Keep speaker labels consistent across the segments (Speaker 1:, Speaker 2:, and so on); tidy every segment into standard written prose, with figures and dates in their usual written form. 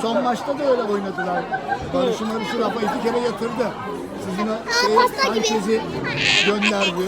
Speaker 1: Son maçta da öyle oynadılar. Barış'ı Rafa 2 kere yatırdı. Sizin o Sanchez'i gönderdi.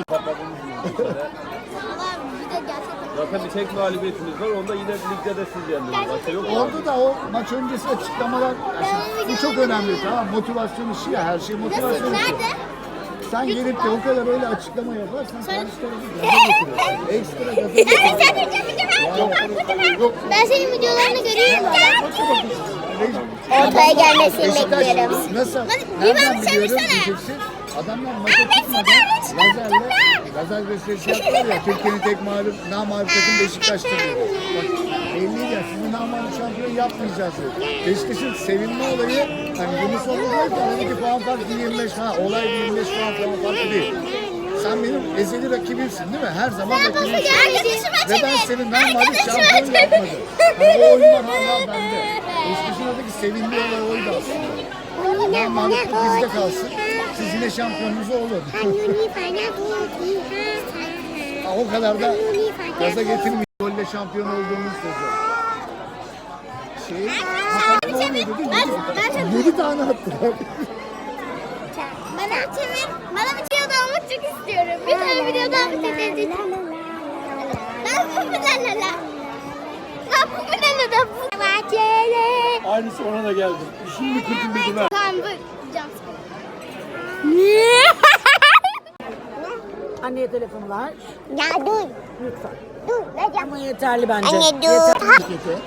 Speaker 2: Zaten bir tek mağlubiyetimiz var. Onda yine ligde de siz yendiniz. Başka yok mu?
Speaker 1: Orada da o maç öncesi açıklamalar, bu çok önemli, tamam, motivasyon işi ya, her şey motivasyon işi. Sen gelip de o kadar öyle açıklama yaparsan karşı tarafı gaza getiriyorsun. Ekstra gaza getiriyorsun.
Speaker 3: Ben senin videolarını görüyorum.
Speaker 1: Ortaya
Speaker 3: gelmesini bekliyorum.
Speaker 1: Nasıl? Nereden biliyorum diyeceksin. Adamlar maça çıkmadan lazer gösterisi yaptılar ya. Türkiye'nin tek namağlup takım Beşiktaş'tır diyor. Bak belliydi ya, sizi namağlup şampiyon yapmayacağız diyor. Beşiktaş'ın sevinme olayı, hani Yunus Oldu diyor ki aradaki puan farkı 25 falan. Olay 25 puan farkı değil. Sen benim ezeli rakibimsin değil mi? Her zaman rakibimsin. Ve ben senin namağlup şampiyon yapmadım. Yani o oyunlar hala bende. Beşiktaş'ın oradaki sevinme olayı oydu aslında. Namağluplık bizde kalsın. Siz yine şampiyonunuz olun. O kadar da gaza getirmiş. Golle şampiyon olduğumuz sözü. Ne oluyor dedi? 7 tane attılar.
Speaker 3: Bana bir video almak çok istiyorum. Bir tane video almak istiyorum.
Speaker 2: Aynısı ona da geldi. Şimdi kırdım dedim ha.
Speaker 3: Tamam bu.
Speaker 4: Anneye telefonu ver.
Speaker 3: Ya dur.
Speaker 4: Lütfen.
Speaker 3: Dur. Vereceğim.
Speaker 4: Ama yeterli bence.
Speaker 3: Anne dur.
Speaker 4: Yeter.